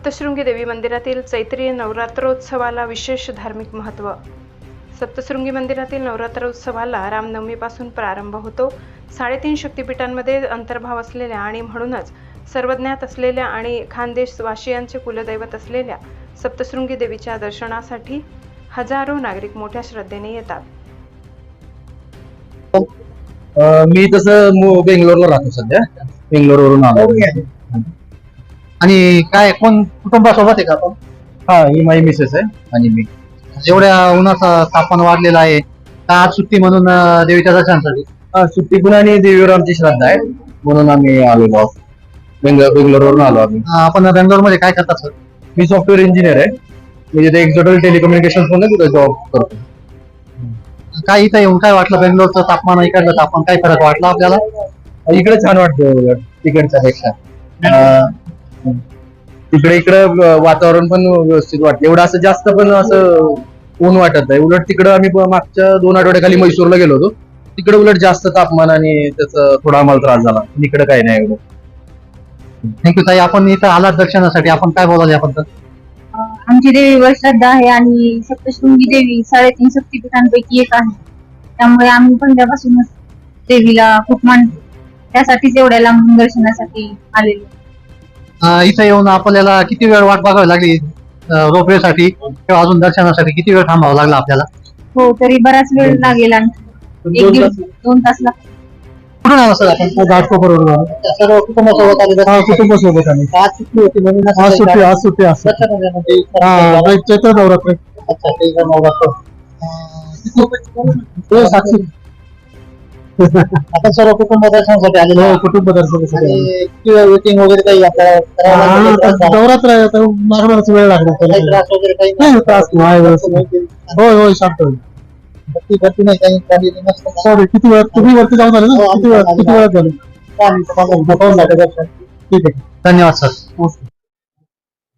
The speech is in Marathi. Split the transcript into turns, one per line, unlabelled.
सप्तशृंगी देवी मंदिरातील चैत्री नवरात्रोत्सवाला विशेष धार्मिक महत्त्व. सप्तशृंगी मंदिरातील नवरात्रोत्सवाला रामनवमीपासून प्रारंभ होतो. 3.5 शक्तिपीठांमध्ये अंतर्भाव असलेल्या आणि म्हणूनच सर्वज्ञात असलेल्या आणि खानदेशवासियांचे कुलदैवत असलेल्या सप्तशृंगी देवीच्या दर्शनासाठी हजारो नागरिक मोठ्या श्रद्धेने येतात.
मी तसं बेंगलोरला राहतो सध्या. बेंगलोरवरून आलो.
आणि काय कोण कुटुंबासोबत आहे का आपण?
हा, ही माझी मिसेस आहे आणि मी.
एवढ्या उन्हाचं तापमान वाढलेलं आहे, तर आज सुट्टी म्हणून देवीच्या दर्शनासाठी.
सुट्टी पण आणि देवीवर आमची श्रद्धा आहे म्हणून आम्ही आलेलो आहोत. बेंगलोरवरून आलो आम्ही.
आपण बेंगलोर मध्ये काय करतात सर?
मी सॉफ्टवेअर इंजिनियर आहे. मी तिथे एक्झॉटल टेलिकम्युनिकेशन मध्ये तिथे जॉब करतो.
काय इथं येऊन काय वाटलं? बेंगलोरचं तापमान इकडलं तापमान काय फरक वाटला आपल्याला?
इकडे छान वाटतं तिकडच्या पेक्षा. इकडे वातावरण पण व्यवस्थित वाटतं. एवढं असं जास्त पण असं ऊन वाटत नाही. उलट तिकडं आम्ही मागच्या 2 आठवड्याखाली मैसूरला गेलो होतो. तिकडे उलट जास्त तापमान आणि त्याचा थोडा आम्हाला त्रास झाला. इकडे काही नाही एवढं.
थँक्यू ताई. आपण इथं आलात दर्शनासाठी, आपण काय बोलाल याबद्दल?
आमची देवीवर श्रद्धा आहे आणि सप्तशृंगी देवी 3.5 शक्तिपीठांपैकी एक आहे. त्यामुळे आम्ही पहिल्यापासूनच देवीला खूप मानतो. त्यासाठीच एवढ्या लांबून दर्शनासाठी आलेलो.
इथं येऊन आपल्याला किती वेळ वाट बघावी लागली रोपवे साठी किंवा अजून दर्शनासाठी? किती वेळ थांबावं लागला आपल्याला?
हो, तरी बराच वेळ लागेल. आणखी 1 दिवस 2 तास लागतात.
कुठून आला सर आपण? घाटकोपरवरून आलो. सर्व कुटुंबासोबत आले?
कुटुंबासोबत आम्ही.
आज सुट्टी होती म्हणून
आज सुट्टी असते. चैत्र नवरात्र.
अच्छा, ते नवरात्र. साक्षी. आपण सर्व कुटुंब दर्शनासाठी आलेलो.
कुटुंब दर्शनासाठी.
वेटिंग वगैरे काही आपल्याला
नवरात्र आहे तर मागणारच वेळ लागणार.
त्रास वगैरे काही
नाही त्रास नाही. होय होय शांत होईल.
भरती नाही काही
सॉरी, किती वेळ तुम्ही वरती जाऊन आले ना? किती वेळात झाले?
ठीक आहे. धन्यवाद सर.